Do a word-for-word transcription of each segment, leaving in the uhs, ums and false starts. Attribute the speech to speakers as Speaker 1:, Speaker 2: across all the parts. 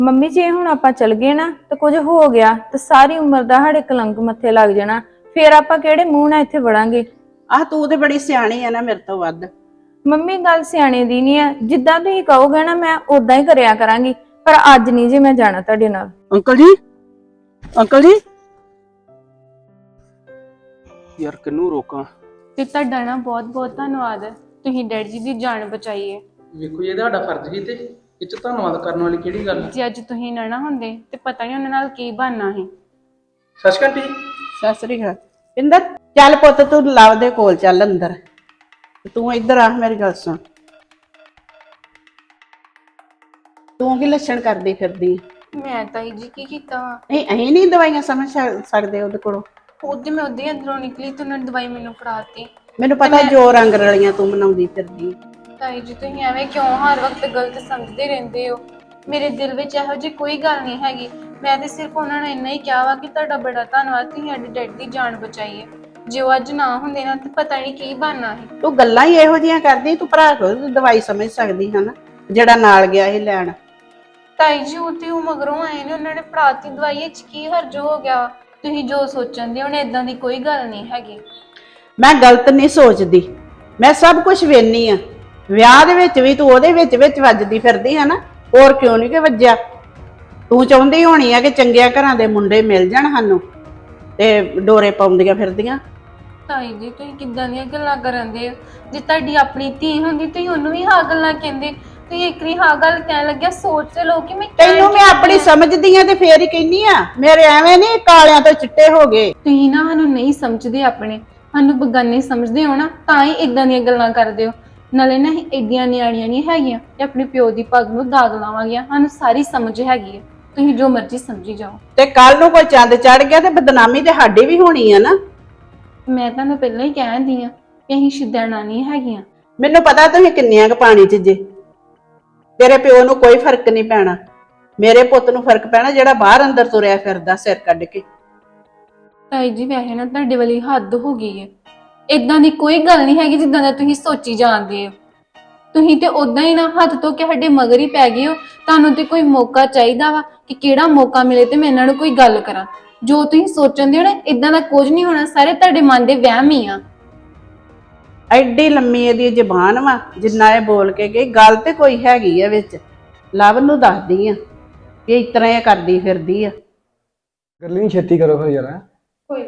Speaker 1: Mummy ਜੇ ਹੁਣ ਆਪਾਂ ਚੱਲ ਗਏ ਨਾ ਤੇ ਕੁਝ ਹੋ ਗਿਆ ਤੇ ਸਾਰੀ ਉਮਰ ਦਾ ਸਾਡੇ ਕਲੰਕ ਮੱਥੇ ਲੱਗ ਜਾਣਾ। ਫੇਰ ਆਪਾਂ ਕਿਹੜੇ ਮੂੰਹ ਨਾਲ ਇੱਥੇ ਵੜਾਂਗੇ।
Speaker 2: ਆਹ ਤੂੰ ਤੇ ਬੜੀ ਸਿਆਣੀ ਆ ਨਾ ਮੇਰੇ ਤੋਂ ਵੱਧ।
Speaker 1: ਮੰਮੀ ਗੱਲ ਸਿਆਣੇ ਦੀ ਨਹੀਂ ਆ, ਜਿੱਦਾਂ ਤੁਸੀਂ ਕਹੋਗੇ ਨਾ ਮੈਂ ਉਦਾਂ ਹੀ ਕਰਿਆ ਕਰਾਂਗੀ, ਪਰ ਅੱਜ ਨਹੀਂ ਜੇ ਮੈਂ ਜਾਣਾ ਤੁਹਾਡੇ ਨਾਲ।
Speaker 2: ਅੰਕਲ ਜੀ, ਅੰਕਲ ਜੀ
Speaker 3: ਯਾਰ ਕਿਹਨੂੰ ਰੋਕਾਂ।
Speaker 4: ਤੇ ਤੁਹਾਡਾ ਨਾ ਬਹੁਤ ਬਹੁਤ ਧੰਨਵਾਦ, ਤੁਸੀਂ ਡੈਡੀ ਜੀ ਦੀ ਜਾਨ ਬਚਾਈ ਹੈ।
Speaker 3: ਵੇਖੋ ਇਹ ਤੁਹਾਡਾ ਫਰਜ਼ ਸੀ ਤੇ ਇਹ ਚ ਧੰਨਵਾਦ ਕਰਨ ਵਾਲੀ ਕਿਹੜੀ ਗੱਲ।
Speaker 4: ਜੇ ਅੱਜ ਤੁਸੀਂ ਨਾ ਨਾ ਹੁੰਦੇ ਤੇ ਪਤਾ ਨਹੀਂ ਉਹਨਾਂ ਨਾਲ ਕੀ ਬਣਨਾ ਸੀ।
Speaker 3: ਸਤਿ ਸ਼੍ਰੀ ਅਕਾਲ ਜੀ।
Speaker 2: ਸਤਿ ਸ੍ਰੀ ਅਕਾਲ। ਪਿੰਦਰ ਚੱਲ ਪੁੱਤ ਤੂੰ ਲਵ ਦੇ ਕੋਲ ਚੱਲ ਅੰਦਰ। ਤੂੰ ਇੱਧਰ ਆ, ਮੇਰੀ ਗੱਲ ਸੁਣ। ਤੂੰ ਕੀ ਲੱਛਣ ਕਰਦੀ ਫਿਰਦੀ?
Speaker 4: ਮੈਂ ਤਾਈ ਜੀ ਕੀ ਕੀਤਾ ਵਾ?
Speaker 2: ਨਹੀਂ ਅਸੀਂ ਨਹੀਂ ਦਵਾਈਆਂ ਸਮਝ ਸਕਦੇ ਉਹਦੇ ਕੋਲੋਂ।
Speaker 4: ਉਹਦੇ ਮੈਂ ਉਹਦੇ ਅੰਦਰੋਂ ਨਿਕਲੀ ਤੇ ਉਹਨਾਂ ਨੇ ਦਵਾਈ ਮੈਨੂੰ ਫੜਾਤੀ।
Speaker 2: ਮੈਨੂੰ ਪਤਾ ਜੋ ਰੰਗ ਰਲੀਆਂ ਤੂੰ ਮਨਾਉਂਦੀ ਫਿਰਦੀ।
Speaker 4: ਤਾਈ ਜੀ ਤੁਸੀਂ ਐਵੇਂ ਕਿਉਂ ਹਰ ਵਕਤ ਗਲਤ ਸਮਝਦੇ ਰਹਿੰਦੇ ਹੋ? ਮੇਰੇ ਦਿਲ ਵਿੱਚ ਇਹੋ ਜਿਹੀ ਕੋਈ ਗੱਲ ਨਹੀਂ ਹੈਗੀ। ਮੈਂ ਤੇ ਸਿਰਫ ਉਹਨਾਂ ਨੂੰ ਇੰਨਾ ਹੀ ਕਿਹਾ ਵਾ ਕਿ ਤੁਹਾਡਾ ਬੜਾ ਧੰਨਵਾਦ, ਤੁਸੀਂ ਸਾਡੇ ਡੈਡੀ ਦੀ ਜਾਨ ਬਚਾਈ ਹੈ। ਜੇ ਉਹ ਅੱਜ ਨਾ ਹੁੰਦੇ ਨਾ ਤੇ ਪਤਾ ਨਹੀਂ ਕੀ ਬਣਨਾ ਸੀ।
Speaker 2: ਤੂੰ ਗੱਲਾਂ ਹੀ ਇਹੋ ਜਿਹੀਆਂ ਕਰਦੀ, ਤੂੰ ਭਰਾ ਕੋਲ ਦਵਾਈ ਸਮਝ ਸਕਦੀ ਹੈ ਨਾ, ਜਿਹੜਾ ਨਾਲ ਗਿਆ ਸੀ ਲੈਣ।
Speaker 4: ਤਾਈ ਜੀ ਉਹ ਤੇ ਉਹ ਮਗਰੋਂ ਆਏ ਨੇ, ਉਹਨਾਂ ਨੇ ਫੜਾਤੀ ਦਵਾਈ, ਵਿੱਚ ਕੀ ਹਰਜ ਹੋ ਗਿਆ? ਤੁਸੀਂ ਜੋ ਸੋਚਣ ਦੇ ਉਹਨੇ ਇਦਾਂ ਦੀ ਕੋਈ ਗੱਲ ਨਹੀਂ ਹੈਗੀ।
Speaker 2: ਮੈਂ ਗਲਤ ਨਹੀਂ ਸੋਚਦੀ, ਮੈਂ ਸਭ ਕੁਝ ਵੇਖਨੀ ਆ। ਵਿਆਹ ਦੇ ਵਿੱਚ ਵੀ ਤੂੰ ਉਹਦੇ ਵਿੱਚ ਵਿੱਚ ਵੱਜਦੀ ਫਿਰਦੀ ਹੈ ਨਾ, ਹੋਰ ਕਿਉਂ ਨਹੀਂ ਕਿ ਵੱਜਿਆ? ਤੂੰ ਚਾਹੁੰਦੀ ਹੋਣੀ ਆ ਕਿ ਚੰਗਿਆਂ ਘਰਾਂ ਦੇ ਮੁੰਡੇ ਮਿਲ ਜਾਣ ਸਾਨੂੰ ਤੇ ਡੋਰੇ ਪਾਉਂਦੀਆਂ ਫਿਰਦੀਆਂ।
Speaker 4: ਤਾਈ ਜੀ ਤੁਸੀਂ ਕਿੱਦਾਂ ਦੀਆਂ ਗੱਲਾਂ ਕਰਨ ਦੇ ਹੋ? ਜੇ ਤੁਹਾਡੀ ਆਪਣੀ ਧੀ ਹੁੰਦੀ ਤੁਸੀਂ ਉਹਨੂੰ ਵੀ ਹਾਂ ਗੱਲਾਂ ਕਹਿੰਦੇ। ਤੁਸੀਂ ਇੱਕ ਵਾਰੀ ਹਾਂ ਗੱਲ ਕਹਿਣ ਲੱਗਿਆ ਸੋਚ ਤੇ ਲਓ ਕਿ ਮੈਂ
Speaker 2: ਤੈਨੂੰ ਮੈਂ ਆਪਣੀ ਸਮਝਦੀ ਆ ਤੇ ਫੇਰ ਹੀ ਕਹਿੰਨੀ ਆ। ਮੇਰੇ ਐਵੇਂ ਨਹੀਂ ਕਾਲਿਆਂ ਤੋਂ ਚਿੱਟੇ ਹੋ ਗਏ।
Speaker 4: ਤੁਸੀਂ ਨਾ ਸਾਨੂੰ ਨਹੀਂ ਸਮਝਦੇ, ਆਪਣੇ ਸਾਨੂੰ ਬਗਾਨੇ ਸਮਝਦੇ ਹੋ ਨਾ, ਤਾਂ ਹੀ ਇਦਾਂ ਦੀਆਂ ਗੱਲਾਂ ਕਰਦੇ ਹੋ। ਨਾਲੇ ਨਾ ਏਡੀਆਂ ਨਿਆਣੀਆਂ ਨਹੀਂ ਹੈਗੀਆਂ ਤੇ ਆਪਣੇ ਪਿਓ ਦੀ ਪੱਗ ਨੂੰ ਦਾਗ ਲਾਵਾਂਗੀਆਂ। ਸਾਨੂੰ ਸਾਰੀ ਸਮਝ ਹੈਗੀ ਹੈ, ਤੁਸੀਂ ਜੋ ਮਰਜ਼ੀ ਸਮਝੀ ਜਾਓ।
Speaker 2: ਤੇ ਕੱਲ ਨੂੰ ਕੋਈ ਚੰਦ ਚੜ ਗਿਆ ਤੇ ਬਦਨਾਮੀ ਤੇ ਸਾਡੀ ਵੀ ਹੋਣੀ ਆ ਨਾ।
Speaker 4: ਮੈਂ ਤੁਹਾਨੂੰ ਪਹਿਲਾਂ ਹੀ ਕਹਿੰਦੀ ਆ ਕਿ ਅਸੀਂ ਸ਼ਿੱਦਣਾ ਨਹੀਂ ਹੈਗੀਆਂ।
Speaker 2: ਮੈਨੂੰ ਪਤਾ ਤੁਸੀਂ ਕਿੰਨੀਆਂ ਕੁ ਪਾਣੀ 'ਚ ਜੇ। ਤੇਰੇ ਪਿਓ ਨੂੰ ਕੋਈ ਫਰਕ ਨਹੀਂ ਪੈਣਾ, ਮੇਰੇ ਪੁੱਤ ਨੂੰ ਫਰਕ ਪੈਣਾ ਜਿਹੜਾ ਬਾਹਰ ਅੰਦਰ ਤੁਰਿਆ ਫਿਰਦਾ ਸਿਰ ਕੱਢ ਕੇ।
Speaker 4: ਤਾਈ ਜੀ ਵੈਸੇ ਨਾ ਤੁਹਾਡੇ ਵਾਲੀ ਹੱਦ ਹੋ ਗਈ ਹੈ। ਇਦਾਂ ਦੀ ਕੋਈ ਗੱਲ ਨਹੀਂ ਹੈਗੀ ਜਿੱਦਾਂ ਦਾ ਤੁਸੀਂ ਸੋਚੀ ਜਾਂਦੇ ਹੋ। ਤੁਸੀਂ ਤੇ ਉਦਾਂ ਹੀ ਨਾ ਹੱਥ ਧੋ ਕੇ ਸਾਡੇ ਮਗਰ ਹੀ ਪੈ ਗਏ ਹੋ। ਤੁਹਾਨੂੰ ਤੇ ਕੋਈ ਮੌਕਾ ਚਾਹੀਦਾ ਵਾ ਕਿ ਕਿਹੜਾ ਮੌਕਾ ਮਿਲੇ ਤੇ ਮੈਂ ਇਹਨਾਂ ਨੂੰ ਕੋਈ ਗੱਲ ਕਰਾਂ। ਜੋ ਤੁਸੀਂ ਸੋਚਣ ਦੇ ਹੋ ਨਾ, ਇਦਾਂ ਦਾ ਕੁਝ ਨਹੀਂ ਹੋਣਾ, ਸਾਰੇ ਤੁਹਾਡੇ ਮਨ ਦੇ ਵਹਿਮ ਹੀ ਆ।
Speaker 2: ਐਡੀ ਲੰਮੀ ਇਹਦੀ ਜ਼ਬਾਨ ਵਾ, ਜਿੰਨਾ ਇਹ ਬੋਲ ਕੇ ਗਈ ਗੱਲ ਤੇ ਕੋਈ ਹੈਗੀ ਆ ਵਿੱਚ। ਲਵ ਨੂੰ ਦੱਸਦੀ ਆ ਕਿ ਇਸ ਤਰ੍ਹਾਂ ਇਹ ਕਰਦੀ ਫਿਰਦੀ ਆ।
Speaker 5: ਗੱਲ ਨਹੀਂ ਛੇਤੀ ਕਰੋ ਫਿਰ ਯਾਰ।
Speaker 4: ਕੋਈ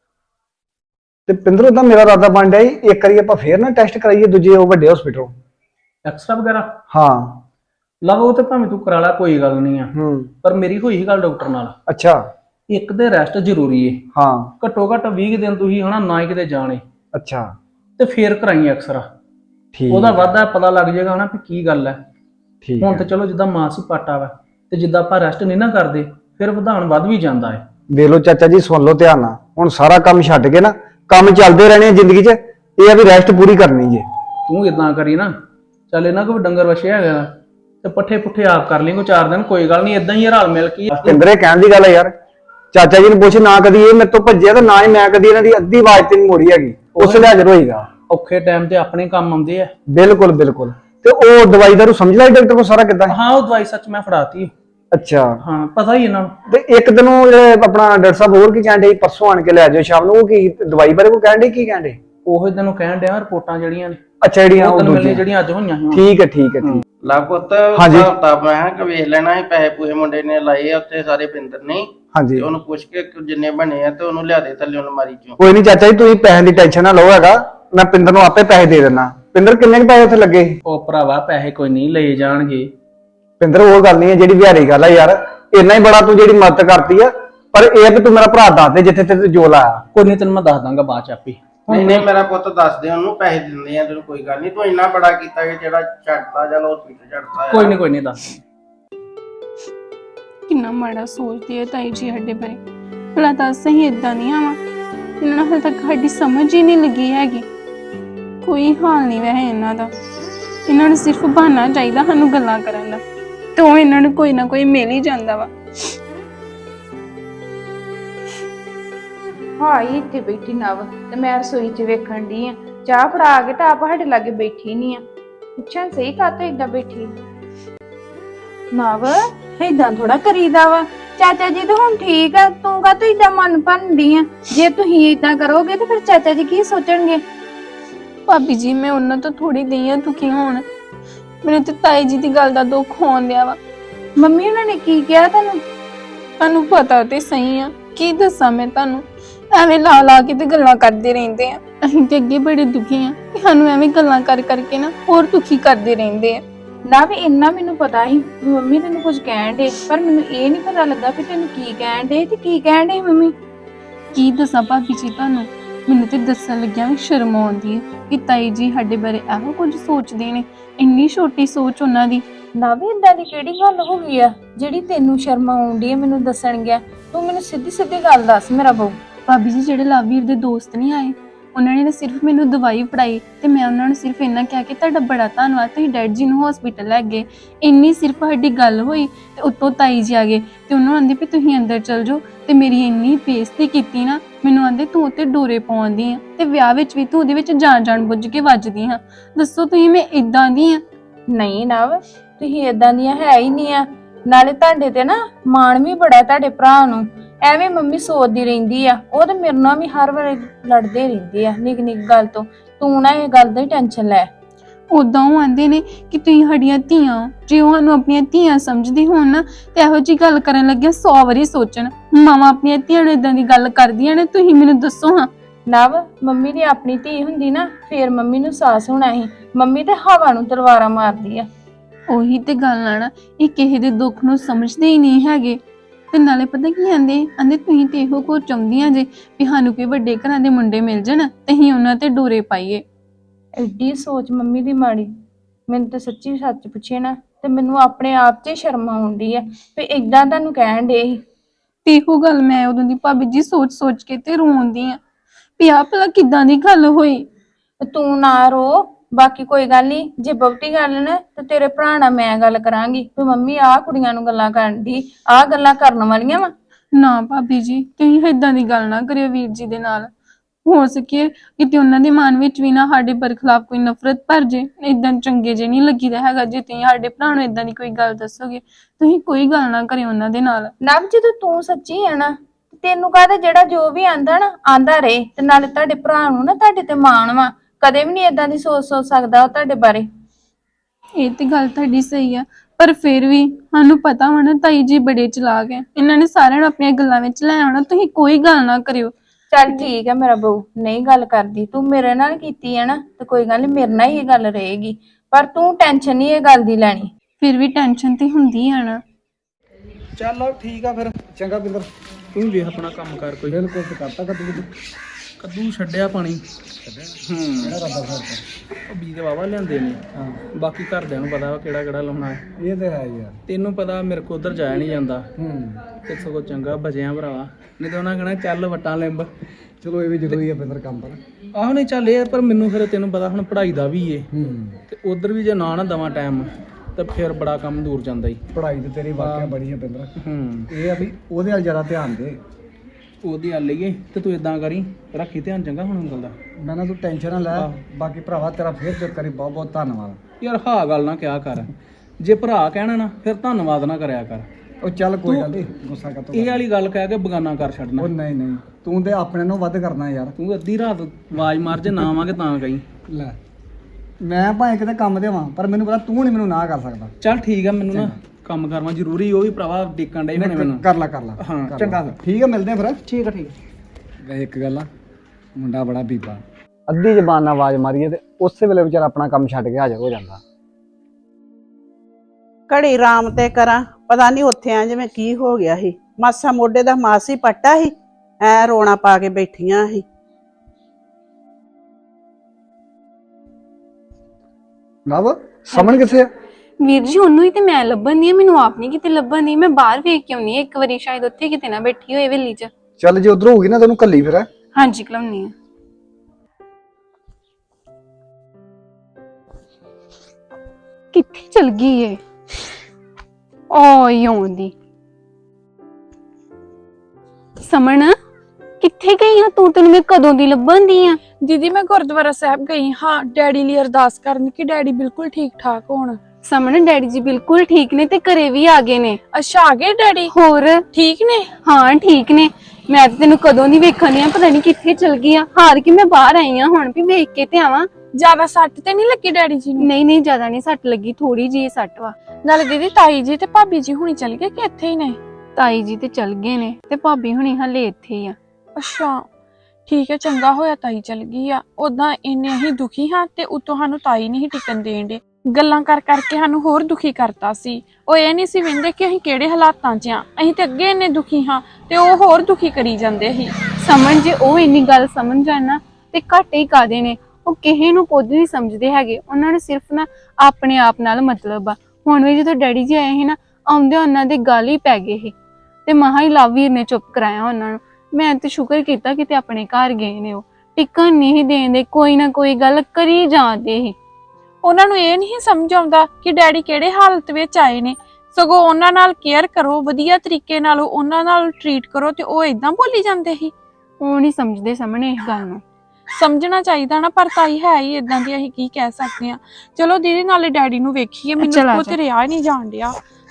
Speaker 5: ਤੇ ਪਿੰਦਰ ਦਾ ਮੇਰਾ ਇਰਾਦਾ ਬਣ ਰਿਹਾ ਸੀ, ਇੱਕ ਵਾਰੀ ਆਪਾਂ ਫੇਰ ਨਾ ਟੈਸਟ ਕਰਾਈਏ ਦੂਜੇ ਉਹ ਵੱਡੇ ਹਸਪੀਟਲ।
Speaker 3: ਐਕਸਰਾ ਵਗੈਰਾ
Speaker 5: ਹਾਂ
Speaker 3: ਲਵ ਉਹ ਤੇ ਭਾਵੇਂ ਤੂੰ ਕਰਾ ਲਾ, ਕੋਈ ਗੱਲ ਨਹੀਂ ਆ।
Speaker 5: ਹੂੰ
Speaker 3: ਪਰ ਮੇਰੀ ਹੋਈ ਸੀ ਗੱਲ ਡਾਕਟਰ ਨਾਲ।
Speaker 5: ਅੱਛਾ।
Speaker 3: ਇੱਕ ਤੇ ਰੈਸਟ ਜ਼ਰੂਰੀ ਏ।
Speaker 5: ਹਾਂ
Speaker 3: ਘੱਟੋ ਘੱਟ ਵੀਹ ਦਿਨ ਤੁਸੀਂ ਹਨਾ ਨਾ ਹੀ ਕਿਤੇ ਜਾਣੇ
Speaker 5: ਅੱਛਾ
Speaker 3: ਤੇ ਫੇਰ ਕਰਾਈ ਐਕਸਰਾ।
Speaker 5: ਠੀਕ
Speaker 3: ਉਹਦਾ ਵਾਧਾ ਪਤਾ ਲੱਗ ਜਾਏਗਾ ਨਾ ਵੀ ਕੀ ਗੱਲ ਹੈ।
Speaker 5: ਠੀਕ
Speaker 3: ਹੁਣ ਤੇ ਚਲੋ ਜਿੱਦਾਂ ਮਾਸ ਹੀ ਪਾਟਾ ਵਾ, ਤੇ ਜਿੱਦਾਂ ਆਪਾਂ ਰੈਸਟ ਨਹੀਂ ਨਾ ਕਰਦੇ ਫਿਰ ਵਧਾਉਣ ਵੱਧ ਵੀ ਜਾਂਦਾ ਹੈ।
Speaker 5: ਵੇਖ ਲਓ ਚਾਚਾ ਜੀ, ਸੁਣ ਲਓ ਧਿਆਨ ਨਾਲ। ਹੁਣ ਸਾਰਾ ਕੰਮ ਛੱਡ ਕੇ ਨਾ, ਕੰਮ ਚੱਲਦੇ ਰਹਿਣੇ ਆ ਜ਼ਿੰਦਗੀ 'ਚ, ਇਹ ਆ ਵੀ ਰੈਸਟ ਪੂਰੀ ਕਰਨੀ ਜੇ।
Speaker 3: ਤੂੰ ਇਦਾਂ ਕਰੀ ਨਾ, ਚੱਲ ਇਹਨਾਂ ਕੋਲ ਡੰਗਰ ਵਛੇ ਹੈਗਾ ਤੇ ਪੱਠੇ ਪੁੱਠੇ ਆਪ ਕਰ ਲਈ ਕੋ ਚਾਰ ਦਿਨ, ਕੋਈ ਗੱਲ ਨਹੀਂ, ਇਦਾਂ ਹੀ ਰਲ ਮਿਲ ਕੇ।
Speaker 5: ਪਿੰਦਰੇ ਕਹਿਣ ਦੀ ਗੱਲ ਹੈ ਯਾਰ, ਚਾਚਾ ਜੀ ਨੂੰ ਪੁੱਛ, ਨਾ ਕਦੀ ਇਹ ਮੇਰੇ ਤੋਂ ਭੱਜਿਆ ਤੇ ਨਾ ਹੀ ਮੈਂ ਕਦੀ ਇਹਨਾਂ ਦੀ ਅੱਧੀ ਆਵਾਜ਼ ਤੇ ਨਹੀਂ ਮੋੜੀ ਹੈਗੀ। ਉਸ ਲਈ ਹਾਜ਼ਰ ਹੋਏਗਾ।
Speaker 3: ਔਖੇ ਟਾਈਮ ਤੇ ਆਪਣੇ ਕੰਮ ਆਉਂਦੇ ਆ।
Speaker 5: ਬਿਲਕੁਲ ਬਿਲਕੁਲ। ਤੇ ਉਹ ਦਵਾਈ ਦਾਰੂ ਸਮਝ ਲੈ ਡਾਕਟਰ ਕੋਲ ਸਾਰਾ ਕਿੱਦਾਂ?
Speaker 3: ਹਾਂ ਉਹ ਦਵਾਈ ਸੱਚ ਮੈਂ ਫੜਾਤੀ।
Speaker 5: ਅੱਛਾ
Speaker 3: ਹਾਂ ਪਤਾ ਹੀ ਇਹਨਾਂ ਨੂੰ।
Speaker 5: ਤੇ ਇੱਕ ਦਿਨ ਉਹ ਜਿਹੜੇ ਆਪਣਾ ਡਾਕਟਰ ਸਾਹਿਬ ਹੋਰ ਕੀ ਕਹਿੰਦੇ ਪਰਸੋਂ ਆਣ ਕੇ ਲੈ ਜਾਓ ਸ਼ਾਮ ਨੂੰ, ਉਹ ਕੀ ਦਵਾਈ ਬਾਰੇ ਕੋ ਕਹਿੰਦੇ ਕੀ ਕਹਿੰਦੇ?
Speaker 3: ਉਹ ਦਿਨ ਕਹਿਣ ਡਿਆ ਰਿਪੋਰਟਾਂ ਜਿਹੜੀਆਂ ਨੇ।
Speaker 5: ਅੱਛਾ ਜਿਹੜੀਆਂ ਉਹ
Speaker 3: ਮਿਲਣੀਆਂ ਜਿਹੜੀਆਂ ਅੱਜ ਹੋਈਆਂ ਸੀ।
Speaker 5: ਠੀਕ ਹੈ ਠੀਕ ਹੈ ਠੀਕ।
Speaker 6: ਲਾ ਪੁੱਤ
Speaker 5: ਹਾਂਜੀ।
Speaker 6: ਹਫਤਾ ਮੈਂ ਕਿ ਵੇਖ ਲੈਣਾ ਸੀ, ਪੈਸੇ ਪੂਏ ਮੁੰਡੇ ਨੇ ਲਾਏ ਆ ਉੱਥੇ ਸਾਰੇ ਪਿੰਦਰ ਨੇ।
Speaker 5: ਹਾਂਜੀ
Speaker 6: ਤੇ ਉਹਨੂੰ ਪੁੱਛ ਕੇ ਜਿੰਨੇ ਬਣੇ ਆ ਤੇ ਉਹਨੂੰ ਲਿਆ ਦੇ ਥੱਲੇ ਅਲਮਾਰੀ ਚੋਂ।
Speaker 5: ਕੋਈ ਨਹੀਂ ਚਾਚਾ ਜੀ, ਤੁਸੀਂ ਪੈਸੇ ਦੀ ਟੈਨਸ਼ਨ ਨਾ ਲਓ ਹੈਗਾ, ਮੈਂ ਪਿੰਦਰ ਨੂੰ ਆਪੇ ਪੈਸੇ ਦੇ ਦਿੰਦਾ। ਪਿੰਦਰ ਕਿੰਨੇ ਕੁ ਪੈਸੇ ਉੱਥੇ ਲੱਗੇ?
Speaker 3: ਉਹ ਭਰਾਵਾ ਪੈਸੇ ਕੋਈ ਨਹੀਂ ਲਏ ਜਾਣਗੇ।
Speaker 5: ਪਿੰਦਰ ਉਹ ਗੱਲ ਨਹੀਂ ਹੈ ਜਿਹੜੀ ਵਿਹਾਰੀ ਗੱਲ ਆ ਯਾਰ, ਇੰਨਾ ਹੀ ਬੜਾ ਤੂੰ ਜਿਹੜੀ ਮਦਦ ਕਰਤੀ ਆ, ਪਰ ਇਹ ਵੀ ਤੂੰ ਮੇਰਾ ਭਰਾ ਦੱਸ ਦੇ ਜਿੱਥੇ ਤੇ ਜੋ ਲਾਇਆ।
Speaker 3: ਕੋਈ ਨਹੀਂ ਤੈਨੂੰ ਮੈਂ ਦੱਸ ਦਾਂਗਾ ਬਾਅਦ ਚ ਆਪੇ।
Speaker 6: ਨਹੀਂ ਨਹੀਂ ਮੇਰਾ ਪੁੱਤ ਦੱਸ ਦੇ ਉਹਨੂੰ, ਪੈਸੇ ਦਿੰਦੇ ਆ ਤੈਨੂੰ, ਕੋਈ ਗੱਲ ਨਹੀਂ। ਤੂੰ ਇੰਨਾ ਬੜਾ ਕੀਤਾ ਕਿ ਜਿਹੜਾ ਛੱਡਦਾ ਜਾਂ ਹਸਪੀਟਲ ਛੱਡਦਾ।
Speaker 3: ਕੋਈ ਨਹੀਂ ਕੋਈ ਨਹੀਂ ਦੱਸ।
Speaker 4: ਕਿੰਨਾ ਮਾੜਾ ਸੋਚਦੀ ਹੈ ਤਾਈ ਜੀ ਸਾਡੇ ਬਾਰੇ। ਭਲਾ ਦੱਸ ਸਹੀ ਇਦਾਂ ਨਹੀਂ ਆਵਾਂ, ਇਹਨਾਂ ਨੂੰ ਹਾਲੇ ਤੱਕ ਸਾਡੀ ਸਮਝ ਹੀ ਨਹੀਂ ਲੱਗੀ ਹੈਗੀ। ਕੋਈ ਹਾਲ ਨਹੀਂ ਵੈਸੇ ਇਹਨਾਂ ਦਾ, ਇਹਨਾਂ ਨੂੰ ਸਿਰਫ ਬਹਾਨਾ ਚਾਹੀਦਾ ਸਾਨੂੰ ਗੱਲਾਂ ਕਰਨ ਦਾ, ਤੇ ਉਹ ਇਹਨਾਂ ਨੂੰ ਕੋਈ ਨਾ ਕੋਈ ਮਿਲ ਹੀ ਜਾਂਦਾ ਵਾ।
Speaker 1: ਹਾਂ ਇੱਥੇ ਬੈਠੀ ਨਵ ਤੇ ਮੈਂ ਰਸੋਈ 'ਚ ਵੇਖਣ ਦੀ ਆ, ਚਾਹ ਫੜਾ ਕੇ ਤਾਂ ਆਪ ਸਾਡੇ ਲਾਗੇ ਬੈਠੀ ਨਹੀਂ ਆ। ਪੁੱਛਾਂ ਸਹੀ ਕਾਹਤੋਂ ਏਦਾਂ ਬੈਠੀ? ਨਵ ਏਦਾਂ ਥੋੜਾ ਕਰੀਦਾ ਵਾ। ਚਾਚਾ ਜੀ ਤਾਂ ਹੁਣ ਠੀਕ ਆ, ਤੂੰ ਕਾ ਤੂੰ ਏਦਾਂ ਮਨ ਭੰਨਦੀ ਆ? ਜੇ ਤੁਸੀਂ ਏਦਾਂ ਕਰੋਗੇ ਤੇ ਫਿਰ ਚਾਚਾ ਜੀ ਕੀ ਸੋਚਣਗੇ?
Speaker 4: ਭਾਬੀ ਜੀ ਮੈਂ ਉਹਨਾਂ ਤੋਂ ਥੋੜੀ ਦਈ ਆ ਦੁਖੀ ਹੋਣ, ਮੈਨੂੰ ਤੇ ਤਾਈ ਜੀ ਦੀ ਗੱਲ ਦਾ ਦੁੱਖ ਹੋਣ ਦਿਆ ਵਾ।
Speaker 1: ਮੰਮੀ ਉਹਨਾਂ ਨੇ ਕੀ ਕਿਹਾ ਤੁਹਾਨੂੰ?
Speaker 4: ਤੁਹਾਨੂੰ ਪਤਾ ਤੇ ਸਹੀ ਆ, ਕੀ ਦੱਸਾਂ ਮੈਂ ਤੁਹਾਨੂੰ, ਐਵੇਂ ਲਾ ਲਾ ਕੇ ਤੇ ਗੱਲਾਂ ਕਰਦੇ ਰਹਿੰਦੇ ਆ। ਅਸੀਂ ਤੇ ਅੱਗੇ ਬੜੇ ਦੁਖੀ ਆ ਕਿ ਸਾਨੂੰ ਐਵੇਂ ਗੱਲਾਂ ਕਰ ਕਰਕੇ ਨਾ ਹੋਰ ਦੁਖੀ ਕਰਦੇ ਰਹਿੰਦੇ ਆ।
Speaker 1: ਨਾ ਵੀ ਇੰਨਾ ਮੈਨੂੰ ਪਤਾ ਸੀ ਵੀ ਮੰਮੀ ਤੈਨੂੰ ਕੁਝ ਕਹਿਣ ਦੇ, ਪਰ ਮੈਨੂੰ ਇਹ ਨਹੀਂ ਪਤਾ ਲੱਗਾ ਵੀ ਤੈਨੂੰ ਕੀ ਕਹਿਣ ਦੇ ਤੇ ਕੀ ਕਹਿਣ ਦੇ ਮੰਮੀ।
Speaker 4: ਕੀ ਦੱਸਾਂ ਭਾਬੀ ਜੀ ਤੁਹਾਨੂੰ, ਮੈਨੂੰ ਤੇ ਦੱਸਣ ਲੱਗਿਆ ਵੀ ਸ਼ਰਮ ਆਉਂਦੀ ਹੈ ਕਿ ਤਾਈ ਜੀ ਸਾਡੇ ਬਾਰੇ ਇਹੋ ਕੁਝ ਸੋਚਦੇ ਨੇ। ਇੰਨੀ ਛੋਟੀ ਸੋਚ ਉਹਨਾਂ ਦੀ।
Speaker 1: ਨਾ ਵੀ ਇਦਾਂ ਦੀ ਕਿਹੜੀ ਗੱਲ ਹੋ ਗਈ ਆ ਜਿਹੜੀ ਤੈਨੂੰ ਸ਼ਰਮ ਆਉਂਦੀ ਹੈ ਮੈਨੂੰ ਦੱਸਣ ਗਿਆ? ਤੂੰ ਮੈਨੂੰ ਸਿੱਧੀ ਸਿੱਧੀ ਗੱਲ ਦੱਸ ਮੇਰਾ ਬਹੂ।
Speaker 4: ਭਾਬੀ ਜੀ ਜਿਹੜੇ ਲਵਵੀਰ ਦੇ ਦੋਸਤ ਨਹੀਂ ਆਏ, ਉਹਨਾਂ ਨੇ ਸਿਰਫ ਮੈਨੂੰ ਦਵਾਈ ਫੜਾਈ ਤੇ ਮੈਂ ਉਹਨਾਂ ਨੂੰ ਸਿਰਫ ਇੰਨਾ ਕਿਹਾ ਕਿ ਤੁਹਾਡਾ ਬੜਾ ਧੰਨਵਾਦ, ਤੁਸੀਂ ਡੈਡ ਜੀ ਨੂੰ ਹਸਪੀਟਲ ਲੈ ਗਏ। ਇੰਨੀ ਸਿਰਫ ਸਾਡੀ ਗੱਲ ਹੋਈ ਤੇ ਉੱਤੋਂ ਤਾਈ ਜੀ ਆ ਗਏ ਤੇ ਉਹਨਾਂ ਆਂਦੇ ਵੀ ਤੁਸੀਂ ਅੰਦਰ ਚਲ ਜਾਓ, ਤੇ ਮੇਰੀ ਇੰਨੀ ਬੇਇੱਜ਼ਤੀ ਕੀਤੀ ਨਾ। ਮੈਨੂੰ ਆਂਦੇ ਤੂੰ ਉੱਤੇ ਡੋਰੇ ਪਾਉਂਦੀ ਆ ਤੇ ਵਿਆਹ ਵਿੱਚ ਵੀ ਤੂੰ ਉਹਦੇ ਵਿੱਚ ਜਾਣ ਜਾਣ ਬੁੱਝ ਕੇ ਵੱਜਦੀ ਆ। ਦੱਸੋ ਤੁਸੀਂ ਮੈਂ ਇਦਾਂ ਦੀ ਆ?
Speaker 1: ਨਹੀਂ ਨਾ ਤੁਸੀਂ ਇਦਾਂ ਦੀਆਂ ਹੈ ਹੀ ਨਹੀਂ ਆ। ਨਾਲੇ ਤੁਹਾਡੇ ਤੇ ਨਾ ਮਾਣ ਵੀ ਬੜਾ ਤੁਹਾਡੇ ਭਰਾ ਨੂੰ। ਐਵੇਂ ਮੰਮੀ ਸੋਚਦੀ ਰਹਿੰਦੀ ਆ, ਉਹ ਤੇ ਮੇਰੇ ਨਾਲ ਵੀ ਹਰ ਵਾਰ ਲੜਦੇ ਰਹਿੰਦੇ ਆ ਨਿੱਕ ਨਿੱਕ ਗੱਲ ਤੋਂ। ਤੂੰ ਨਾ ਇਹ ਗੱਲ ਦੀ ਟੈਨਸ਼ਨ ਲੈ।
Speaker 4: ਉਦਾਂ ਉਹ ਆਂਦੇ ਨੇ ਕਿ ਤੁਸੀਂ ਸਾਡੀਆਂ ਧੀਆਂ, ਜੇ ਉਹ ਸਾਨੂੰ ਆਪਣੀਆਂ ਧੀਆਂ ਸਮਝਦੇ ਹੋਣ ਨਾ ਤੇ ਇਹੋ ਜਿਹੀ ਗੱਲ ਕਰਨ ਲੱਗਿਆ ਸੌ ਵਾਰੀ ਸੋਚਣ। ਮਾਵਾਂ ਆਪਣੀਆਂ ਧੀਆਂ ਨੂੰ ਇਦਾਂ ਦੀ ਗੱਲ ਕਰਦੀਆਂ ਨੇ, ਤੁਸੀਂ ਮੈਨੂੰ ਦੱਸੋ ਹਾਂ।
Speaker 1: ਨਵ ਮੰਮੀ ਦੀ ਆਪਣੀ ਧੀ ਹੁੰਦੀ ਨਾ ਫੇਰ ਮੰਮੀ ਨੂੰ ਸਾਹਸ ਹੋਣਾ ਸੀ। ਮੰਮੀ ਤੇ ਹਵਾ ਨੂੰ ਤਲਵਾਰਾਂ ਮਾਰਦੀ ਆ।
Speaker 4: ਉਹੀ ਤੇ ਗੱਲ ਆ ਨਾ, ਇਹ ਕਿਸੇ ਦੇ ਦੁੱਖ ਨੂੰ ਸਮਝਦੇ ਹੀ ਨਹੀਂ ਹੈਗੇ। ਤੇ ਨਾਲੇ ਪਤਾ ਕੀ ਆਂਦੇ ਆਂਦੇ ਤੁਸੀਂ ਤੇ ਇਹੋ ਕੁਝ ਚਾਹੁੰਦੀਆਂ ਜੇ ਵੀ ਸਾਨੂੰ ਕੋਈ ਵੱਡੇ ਘਰਾਂ ਦੇ ਮੁੰਡੇ ਮਿਲ ਜਾਣ ਤੇ ਅਸੀਂ ਉਹਨਾਂ ਤੇ ਡੋਰੇ ਪਾਈਏ।
Speaker 1: ਐਡੀ ਸੋਚ ਮੰਮੀ ਦੀ ਮਾੜੀ। ਮੈਨੂੰ ਤਾਂ ਸੱਚੀ ਸੱਚ ਪੁੱਛੇ ਨਾ ਤੇ ਮੈਨੂੰ ਆਪਣੇ ਆਪ 'ਚ ਸ਼ਰਮ ਆਉਂਦੀ ਆ ਵੀ ਏਦਾਂ ਤੁਹਾਨੂੰ ਕਹਿਣ ਦੇ ਸੀ।
Speaker 4: ਤੇ ਇਹੋ ਗੱਲ ਮੈਂ ਉਦੋਂ ਦੀ ਭਾਬੀ ਜੀ ਸੋਚ ਸੋਚ ਕੇ ਤੇ ਰੋਂਦੀ ਆ ਵੀ ਆਹ ਭਲਾ ਕਿੱਦਾਂ ਦੀ ਗੱਲ ਹੋਈ।
Speaker 1: ਤੂੰ ਨਾ ਰੋ, ਬਾਕੀ ਕੋਈ ਗੱਲ ਨਹੀਂ। ਜੇ ਬਹੁਤੀ ਗੱਲ ਨਾ ਤੇ ਤੇਰੇ ਭਰਾ ਨਾਲ ਮੈਂ ਗੱਲ ਕਰਾਂਗੀ ਵੀ ਮੰਮੀ ਆਹ ਕੁੜੀਆਂ ਨੂੰ ਗੱਲਾਂ ਕਰਨ ਦੀ, ਆਹ ਗੱਲਾਂ ਕਰਨ ਵਾਲੀਆਂ ਵਾ।
Speaker 4: ਨਾ ਭਾਬੀ ਜੀ ਤੁਸੀਂ ਏਦਾਂ ਦੀ ਗੱਲ ਨਾ ਕਰਿਓ ਵੀਰ ਜੀ ਦੇ ਨਾਲ। ਹੋ ਸਕੇ ਕਿਤੇ ਉਹਨਾਂ ਦੇ ਮਨ ਵਿੱਚ ਵੀ ਨਾ ਸਾਡੇ ਬਰਖਲਾਫ ਕੋਈ ਨਫ਼ਰਤ ਭਰ ਜੇ। ਏਦਾਂ ਚੰਗੇ ਜੇ ਨਹੀਂ ਲੱਗੀਦਾ ਹੈਗਾ ਜੇ ਤੁਸੀਂ ਸਾਡੇ ਭਰਾ ਨੂੰ ਏਦਾਂ ਦੀ ਕੋਈ ਗੱਲ ਦੱਸੋਗੇ। ਤੁਸੀਂ ਕੋਈ ਗੱਲ ਨਾ ਕਰਿਓ ਉਹਨਾਂ ਦੇ ਨਾਲ।
Speaker 1: ਨਾ ਜਦੋਂ ਤੂੰ ਸੱਚੀ ਹੈ ਨਾ, ਤੈਨੂੰ ਕਹਦਾ ਜਿਹੜਾ ਜੋ ਵੀ ਆਂਦਾ ਨਾ ਆਂਦਾ ਰਹੇ। ਤੇ ਨਾਲੇ ਤੁਹਾਡੇ ਭਰਾ ਨੂੰ ਨਾ ਤੁਹਾਡੇ ਤੇ ਮਾਣ ਵਾ, ਕਦੇ ਵੀ ਨਹੀਂ ਏਦਾਂ ਦੀ ਸੋਚ ਸੋਚ ਸਕਦਾ ਉਹ ਤੁਹਾਡੇ ਬਾਰੇ।
Speaker 4: ਇਹ ਤੇ ਗੱਲ ਤੁਹਾਡੀ ਸਹੀ ਆ, ਪਰ ਫਿਰ ਵੀ ਸਾਨੂੰ ਪਤਾ ਵਾ ਨਾ ਤਾਈ ਜੀ ਬੜੇ ਚਲਾਕ ਹੈ। ਇਹਨਾਂ ਨੇ ਸਾਰਿਆਂ ਨੂੰ ਆਪਣੀਆਂ ਗੱਲਾਂ ਵਿੱਚ ਲੈ ਆਉਣਾ। ਤੁਸੀਂ ਕੋਈ ਗੱਲ ਨਾ ਕਰਿਓ।
Speaker 1: ਚੱਲ ਠੀਕ ਹੈ ਮੇਰਾ ਬਹੂ, ਨਹੀਂ ਗੱਲ ਕਰਦੀ। ਤੂੰ ਮੇਰੇ ਨਾਲ ਕੀਤੀ ਹੈ ਨਾ ਤੇ ਕੋਈ ਗੱਲ ਨੀ, ਮੇਰੇ ਨਾਲ ਹੀ ਇਹ ਗੱਲ ਰਹੇਗੀ। ਪਰ ਤੂੰ ਟੈਨਸ਼ਨ ਨਹੀਂ ਇਹ ਗੱਲ ਦੀ ਲੈਣੀ।
Speaker 4: ਫਿਰ ਵੀ ਟੈਨਸ਼ਨ ਤੇ ਹੁੰਦੀ ਆ ਨਾ।
Speaker 3: ਚੱਲ ਠੀਕ ਆ ਫਿਰ।
Speaker 5: ਚੰਗਾ ਬਿੰਦਰ।
Speaker 3: ਤੂੰ ਵੇਖ ਆਪਣਾ ਕੰਮ ਕਰ ਕੋਈ।
Speaker 5: ਬਿਲਕੁਲ ਤੇ ਕਰਤਾ ਕੱਦੂ।
Speaker 3: ਕੱਦੂ ਛੱਡਿਆ ਪਾਣੀ। ਹੂੰ
Speaker 5: ਕਿਹੜਾ ਕਰਦਾ ਫਿਰ?
Speaker 3: ਉਹ ਬੀਜ ਵਾਵਾ ਲਿਆਂਦੇ ਨੇ।
Speaker 5: ਹਾਂ
Speaker 3: ਬਾਕੀ ਘਰਦਿਆਂ ਨੂੰ ਪਤਾ ਵਾ ਕਿਹੜਾ ਕਿਹੜਾ ਲਾਉਣਾ ਹੈ।
Speaker 5: ਇਹ ਤੇ ਹੈ ਯਾਰ।
Speaker 3: ਤੈਨੂੰ ਪਤਾ ਮੇਰੇ ਕੋਲ ਉਧਰ ਜਾਇਆ ਨਹੀਂ ਜਾਂਦਾ।
Speaker 5: ਹੂੰ
Speaker 3: ਤੇ ਸਗੋਂ ਚੰਗਾ ਬਚਿਆ ਭਰਾਵਾ, ਨਹੀਂ ਤਾਂ ਉਹਨਾਂ ਕਹਿਣਾ ਚੱਲ ਵਟਾਂ ਲਿੰਬ।
Speaker 5: ਚਲੋ ਇਹ ਵੀ ਜ਼ਰੂਰੀ ਹੈ ਬਿੰਦਰ ਕੰਮ ਪਰ।
Speaker 3: ਆਹੋ ਨਹੀਂ ਚੱਲ ਇਹ, ਪਰ ਮੈਨੂੰ ਫਿਰ ਤੈਨੂੰ ਪਤਾ ਹੁਣ ਪੜ੍ਹਾਈ ਦਾ ਵੀ ਏ
Speaker 5: ਹੂੰ
Speaker 3: ਤੇ ਉਧਰ ਵੀ ਜੇ ਨਾ ਨਾ ਦਵਾਂ ਟਾਈਮ ਤੇ ਫਿਰ ਬੜਾ ਕੰਮ ਦੂਰ ਜਾਂਦਾ ਈ।
Speaker 5: ਪੜ੍ਹਾਈ ਤੇ ਤੇਰੀ ਵਾਕਿਆ ਬੜੀ ਹੈ ਬਿੰਦਰ।
Speaker 3: ਹੂੰ
Speaker 5: ਇਹ ਆ ਵੀ ਉਹਦੇ ਵੱਲ ਜ਼ਿਆਦਾ ਧਿਆਨ ਦੇ।
Speaker 3: ਉਹਦੀ ਹੱਲ ਲਈਏ ਤੇ ਤੂੰ ਇਦਾਂ ਕਰੀ, ਰੱਖੀ ਧਿਆਨ ਚੰਗਾ ਹੁਣ ਅੰਕਲ ਦਾ।
Speaker 5: ਮੈਂ ਨਾ ਤੂੰ ਟੈਨਸ਼ਨ ਨਾ ਲੈ। ਬਾਕੀ ਭਰਾਵਾ ਤੇਰਾ ਫੇਰ ਚੁੱਕ ਕਰੀ ਬਹੁਤ ਬਹੁਤ ਧੰਨਵਾਦ।
Speaker 3: ਯਾਰ ਹਾਂ ਗੱਲ ਨਾ ਕਿਆ ਕਰ, ਜੇ ਭਰਾ ਕਹਿਣਾ ਨਾ ਫਿਰ ਧੰਨਵਾਦ ਨਾ ਕਰਿਆ ਕਰ।
Speaker 5: ਉਹ ਚੱਲ ਕੋਈ ਗੱਲ ਨਹੀਂ, ਗੁੱਸਾ ਕਰ ਤੂੰ।
Speaker 3: ਇਹ ਵਾਲੀ ਗੱਲ ਕਹਿ ਕੇ ਬਗਾਨਾ ਕਰ ਛੱਡਣਾ।
Speaker 5: ਉਹ ਨਹੀਂ ਨਹੀਂ, ਤੂੰ ਤੇ ਆਪਣੇ ਨੂੰ ਵੱਧ ਕਰਨਾ ਯਾਰ।
Speaker 3: ਤੂੰ ਅੱਧੀ ਰਾਤ ਆਵਾਜ਼ ਮਾਰ ਜੇ ਨਾ ਆਵਾਂਗੇ ਤਾਂ ਕਹੀਂ।
Speaker 5: ਲੈ ਮੈਂ ਭਾਵੇਂ ਕਿਤੇ ਕੰਮ ਤੇ ਵਾਂ, ਪਰ ਮੈਨੂੰ ਪਤਾ ਤੂੰ ਨਹੀਂ ਮੈਨੂੰ ਨਾ ਕਰ ਸਕਦਾ।
Speaker 3: ਚੱਲ ਠੀਕ ਆ, ਮੈਨੂੰ ਨਾ ਕੰਮ ਕਰਵਾ ਜ਼ਰੂਰੀ, ਉਹ ਵੀ ਭਰਾਵਾ ਡੇਕਣ ਡੇ ਹੋਣੇ ਮੈਨੂੰ।
Speaker 5: ਕਰ ਲਾ ਕਰ ਲਾ।
Speaker 3: ਹਾਂ,
Speaker 5: ਕਰ
Speaker 3: ਚੰਗਾ
Speaker 5: ਲਾ।
Speaker 3: ਫਿਰ।
Speaker 5: ਠੀਕ ਆ, ਮਿਲਦੇ ਆ ਫਿਰ।
Speaker 3: ਠੀਕ ਆ ਠੀਕ
Speaker 5: ਵੈਸੇ ਇੱਕ ਗੱਲ ਆ, ਮੁੰਡਾ ਬੜਾ ਬੀਬਾ। ਅੱਧੀ ਜ਼ਬਾਨ ਨਾਲ ਆਵਾਜ਼ ਮਾਰੀਏ ਤੇ ਉਸੇ ਵੇਲੇ ਵਿਚਾਰਾ ਆਪਣਾ ਕੰਮ ਛੱਡ ਕੇ ਹਾਜ਼ਰ ਹੋ ਜਾਂਦਾ।
Speaker 2: ਘੜੀ ਆਰਾਮ ਤੇ ਕਰਾਂ, ਪਤਾ ਨਹੀਂ ਉੱਥੇ ਆ ਜਿਵੇਂ ਕੀ ਹੋ ਗਿਆ ਸੀ। ਮਾਸਾ ਮੋਢੇ ਦਾ ਮਾਸ ਹੀ ਪੱਟਾ ਸੀ, ਐ ਰੋਣਾ ਪਾ ਕੇ ਬੈਠੀਆਂ ਸੀ।
Speaker 5: ਨਵ ਸਮਣ ਕਿੱਥੇ ਆ?
Speaker 4: ਵੀਰ ਜੀ ਉਹਨੂੰ ਹੀ ਤੇ ਮੈਂ ਲੱਭਣ ਦੀ ਆ, ਮੈਨੂੰ ਆਪ ਨਹੀਂ ਕਿਤੇ ਲੱਭਣ ਦੀ। ਮੈਂ ਬਾਹਰ ਵੇਖ ਕੇ ਆਉਣੀ ਆ ਇੱਕ ਵਾਰੀ, ਸ਼ਾਇਦ ਉੱਥੇ ਕਿਤੇ ਨਾ ਬੈਠੀ ਹੋਏ ਵੇਲੀ 'ਚ।
Speaker 5: ਚੱਲ ਜੇ ਉਧਰ ਹੋਊਗੀ ਨਾ ਤੈਨੂੰ ਕੱਲੀ ਫਿਰ।
Speaker 4: ਹਾਂਜੀ ਕਲਾਉਣੀ ਆ। ਕਿੱਥੇ ਚਲ ਗਈ ਏ? ਓਏ ਆਉਂਦੀ ਸਮਣ, ਕਿੱਥੇ ਗਈ ਆ ਤੂੰ? ਤੈਨੂੰ ਮੈਂ ਕਦੋਂ ਦੀ ਲੱਭਣ ਦੀ ਆ।
Speaker 7: ਦੀਦੀ ਮੈਂ ਗੁਰਦੁਆਰਾ ਸਾਹਿਬ ਗਈ ਹਾਂ ਡੈਡੀ ਲਈ ਅਰਦਾਸ ਕਰਨ ਕਿ ਡੈਡੀ ਬਿਲਕੁਲ ਠੀਕ ਠਾਕ ਹੋਣ।
Speaker 4: ਸਮਣ ਡੈਡੀ ਜੀ ਬਿਲਕੁਲ ਠੀਕ ਨੇ ਤੇ ਘਰੇ ਵੀ ਆ ਗਏ ਨੇ।
Speaker 1: ਅੱਛਾ ਆ ਗਏ ਡੈਡੀ?
Speaker 4: ਹੋਰ
Speaker 1: ਠੀਕ ਨੇ?
Speaker 4: ਹਾਂ ਠੀਕ ਨੇ। ਮੈਂ ਤਾਂ ਤੈਨੂੰ ਕਦੋਂ ਦੀ ਵੇਖਣ ਆ, ਪਤਾ ਨਹੀਂ ਕਿੱਥੇ ਚਲ ਗਈ ਆ। ਹਾਰ ਕੇ ਮੈਂ ਬਾਹਰ ਆਈ ਆ ਹੁਣ ਵੀ ਵੇਖ ਕੇ ਤੇ ਆਵਾਂ।
Speaker 1: ਜ਼ਿਆਦਾ ਸੱਟ ਤੇ ਨਹੀਂ ਲੱਗੀ ਡੈਡੀ ਜੀ ਨੂੰ?
Speaker 4: ਨਹੀਂ ਨਹੀਂ ਜ਼ਿਆਦਾ ਨਹੀਂ ਸੱਟ ਲੱਗੀ, ਥੋੜੀ ਜਿਹੀ ਸੱਟ ਵਾ।
Speaker 1: ਨਾਲੇ ਦੀਦੀ ਤਾਈ ਜੀ ਤੇ ਭਾਬੀ ਜੀ ਹੁਣੀ ਚਲ ਗਏ ਕਿ ਇੱਥੇ ਹੀ ਨੇ?
Speaker 4: ਤਾਈ ਜੀ ਤੇ ਚਲ ਗਏ ਨੇ ਤੇ ਭਾਬੀ ਹੁਣੀ ਹਲੇ ਇੱਥੇ ਹੀ ਆ।
Speaker 1: ਅੱਛਾ ਠੀਕ ਹੈ, ਚੰਗਾ ਹੋਇਆ ਤਾਈ ਚਲ ਗਈ ਆ। ਉਦਾਂ ਇੰਨੇ ਅਸੀਂ ਦੁਖੀ ਹਾਂ ਤੇ ਉਤੋਂ ਸਾਨੂੰ ਤਾਈ ਨਹੀਂ ਟਿਕਣ ਦੇਣ ਦੇ, ਗੱਲਾਂ ਕਰ ਕਰਕੇ ਸਾਨੂੰ ਹੋਰ ਦੁਖੀ ਕਰਤਾ ਸੀ। ਉਹ ਇਹ ਨਹੀਂ ਸੀ ਵਿੰਦੇ ਕਿ ਅਸੀਂ ਕਿਹੜੇ ਹਾਲਾਤਾਂ 'ਚ ਆ, ਅਸੀਂ ਤੇ ਅੱਗੇ ਇੰਨੇ ਦੁਖੀ ਹਾਂ ਤੇ ਉਹ ਹੋਰ ਦੁਖੀ ਕਰੀ ਜਾਂਦੇ ਸੀ।
Speaker 4: ਸਮਝ ਜੇ ਉਹ ਇੰਨੀ ਗੱਲ ਸਮਝ ਜਾਣਾ ਤੇ ਘੱਟ ਹੀ ਕਾਦੇ ਨੇ। ਉਹ ਕਿਸੇ ਨੂੰ ਕੁਝ ਨਹੀਂ ਸਮਝਦੇ ਹੈਗੇ, ਉਹਨਾਂ ਨੂੰ ਸਿਰਫ ਨਾ ਆਪਣੇ ਆਪ ਨਾਲ ਮਤਲਬ ਆ। ਹੁਣ ਵੀ ਜਦੋਂ ਡੈਡੀ ਜੀ ਆਏ ਸੀ ਨਾ, ਆਉਂਦੇ ਉਹਨਾਂ ਦੇ ਗੱਲ ਹੀ ਪੈ ਗਏ ਸੀ ਤੇ ਮਹਾ ਹੀ ਲਵਵੀਰ ਨੇ ਚੁੱਪ ਕਰਾਇਆ ਉਹਨਾਂ ਨੂੰ। ਮੈਂ ਤੇ ਸ਼ੁਕਰ ਕੀਤਾ ਕਿਤੇ ਆਪਣੇ ਘਰ ਗਏ ਨੇ, ਉਹ ਟਿਕਣ ਨਹੀਂ ਦੇਂਦੇ, ਕੋਈ ਨਾ ਕੋਈ ਗੱਲ ਕਰੀ ਜਾਂਦੇ ਸੀ।
Speaker 1: ਉਹਨਾਂ ਨੂੰ ਇਹ ਨਹੀਂ ਸਮਝ ਆਉਂਦਾ ਕਿ ਡੈਡੀ ਕਿਹੜੇ ਹਾਲਤ ਵਿੱਚ ਆਏ ਨੇ, ਸਗੋਂ ਉਹਨਾਂ ਨਾਲ ਕੇਅਰ ਕਰੋ, ਵਧੀਆ ਤਰੀਕੇ ਨਾਲ ਉਹਨਾਂ ਨਾਲ ਟਰੀਟ ਕਰੋ ਤੇ ਉਹ ਇਦਾਂ ਬੋਲੀ ਜਾਂਦੇ ਸੀ।
Speaker 4: ਉਹ ਨਹੀਂ ਸਮਝਦੇ ਸਾਹਮਣੇ ਇਸ ਗੱਲ ਨੂੰ।
Speaker 1: ਸਮਝਣਾ ਚਾਹੀਦਾ ਨਾ, ਪਰ ਤਾਈ ਹੈ ਹੀ ਇਦਾਂ ਦੀ, ਅਸੀਂ ਕੀ ਕਹਿ ਸਕਦੇ ਆ। ਚਲੋ ਦੀਦੀ ਨਾਲੇ ਡੈਡੀ ਨੂੰ ਵੇਖੀਏ, ਮੈਨੂੰ ਕੁਝ ਰਿਹਾ ਹੀ ਨਹੀਂ ਜਾਣ ਡਿਆ।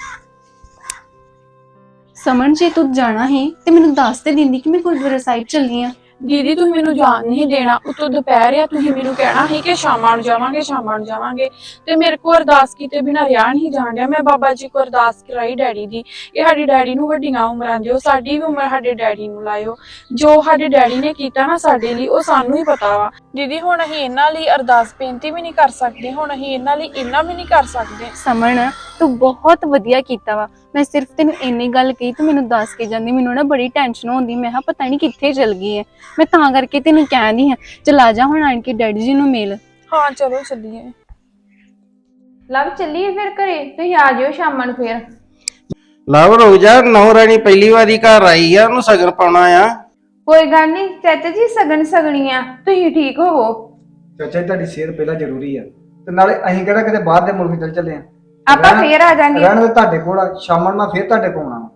Speaker 4: ਸਮਝ ਜੇ ਤੂੰ ਜਾਣਾ ਹੈ ਤੇ ਮੈਨੂੰ ਦੱਸ ਤੇ ਦਿੰਦੀ ਕਿ ਮੈਂ ਗੁਰਦੁਆਰਾ ਸਾਹਿਬ ਚੱਲੀ ਆ।
Speaker 1: ਦੀਦੀ ਤੁਸੀਂ ਮੈਨੂੰ ਜਾਣ ਨਹੀਂ ਦੇਣਾ, ਉਤੋਂ ਦੁਪਹਿਰ ਆ, ਤੁਸੀਂ ਮੈਨੂੰ ਕਹਿਣਾ ਸੀ ਕਿ ਸ਼ਾਮਾਂ ਨੂੰ ਜਾਵਾਂਗੇ ਸ਼ਾਮਾਂ ਨੂੰ ਜਾਵਾਂਗੇ ਤੇ ਮੇਰੇ ਕੋਲ ਅਰਦਾਸ ਕੀਤੇ ਬਿਨਾਂ ਰਿਹਾ ਨਹੀਂ ਜਾਣ ਡਿਆ। ਮੈਂ ਬਾਬਾ ਜੀ ਕੋਲ ਅਰਦਾਸ ਕਰਾਈ ਡੈਡੀ ਦੀ, ਇਹ ਸਾਡੇ ਡੈਡੀ ਨੂੰ ਵੱਡੀਆਂ ਉਮਰਾਂ ਦਿਓ, ਸਾਡੀ ਵੀ ਉਮਰ ਸਾਡੇ ਡੈਡੀ ਨੂੰ ਲਾਇਓ। ਜੋ ਸਾਡੇ ਡੈਡੀ ਨੇ ਕੀਤਾ ਨਾ ਸਾਡੇ ਲਈ, ਉਹ ਸਾਨੂੰ ਹੀ ਪਤਾ ਵਾ। ਦੀਦੀ ਹੁਣ ਅਸੀਂ ਇਹਨਾਂ ਲਈ ਅਰਦਾਸ ਬੇਨਤੀ ਵੀ ਨਹੀਂ ਕਰ ਸਕਦੇ, ਹੁਣ ਅਸੀਂ ਇਹਨਾਂ ਲਈ ਇੰਨਾ ਵੀ ਨਹੀਂ ਕਰ ਸਕਦੇ।
Speaker 4: ਸਮਣ ਤੂੰ ਬਹੁਤ ਵਧੀਆ ਕੀਤਾ ਵਾ। ਮੈਂ ਸਿਰਫ ਤੈਨੂੰ ਇੰਨੀ ਗੱਲ ਕਹੀ ਤੂੰ ਮੈਨੂੰ ਦੱਸ ਕੇ ਜਾਂਦੀ, ਮੈਨੂੰ ਨਾ ਬੜੀ ਟੈਨਸ਼ਨ ਹੁੰਦੀ। ਮੈਂ ਕਿਹਾ ਪਤਾ ਨਹੀਂ ਕਿੱਥੇ ਚਲ ਗਈ ਹੈ, ਮੈਂ ਤਾਂ ਕਰਕੇ ਤੈਨੂੰ ਕਹਿੰਦੀ ਹਾਂ ਚਲ ਆ ਜਾ ਹੁਣ ਆਣ ਕੇ ਡੈਡੀ ਜੀ ਨੂੰ ਮਿਲ।
Speaker 1: ਹਾਂ ਚਲੋ ਚੱਲੀਏ।
Speaker 7: ਲਵ ਚੱਲੀਏ ਫਿਰ ਘਰੇ, ਤੁਸੀਂ ਆ ਜਿਓ ਸ਼ਾਮਾਂ ਨੂੰ ਫੇਰ।
Speaker 6: ਲਵ ਰੁਕ ਜਾ, ਨੌ ਰਾਣੀ ਪਹਿਲੀ ਵਾਰੀ ਘਰ ਆਈ ਆ, ਉਹਨੂੰ ਸਗਨ ਪਾਉਣਾ ਆ।
Speaker 7: ਕੋਈ ਗੱਲ ਨਹੀਂ ਚਾਚਾ ਜੀ, ਸਗਨ ਸਗਣੀਆਂ, ਤੁਸੀਂ ਠੀਕ ਹੋਵੋ।
Speaker 5: ਚਾਚਾ ਜੀ ਤੁਹਾਡੀ ਸਿਹਤ ਪਹਿਲਾਂ ਜ਼ਰੂਰੀ ਆ, ਤੇ ਨਾਲੇ ਅਸੀਂ ਕਿਹੜਾ ਕਿਤੇ ਬਾਹਰ ਦੇ ਮੁਲਕ ਚੱਲ ਚੱਲੇ ਆ।
Speaker 7: ਆਪਾਂ ਫੇਰ ਆ ਜਾਾਂਗੇ।
Speaker 5: ਰਹਿਣ ਦੇ ਤੁਹਾਡੇ ਕੋਲ ਆ, ਸ਼ਾਮਾਂ ਨੂੰ ਮੈਂ ਫੇਰ ਤੁਹਾਡੇ ਕੋਲ ਆਉਣਾ।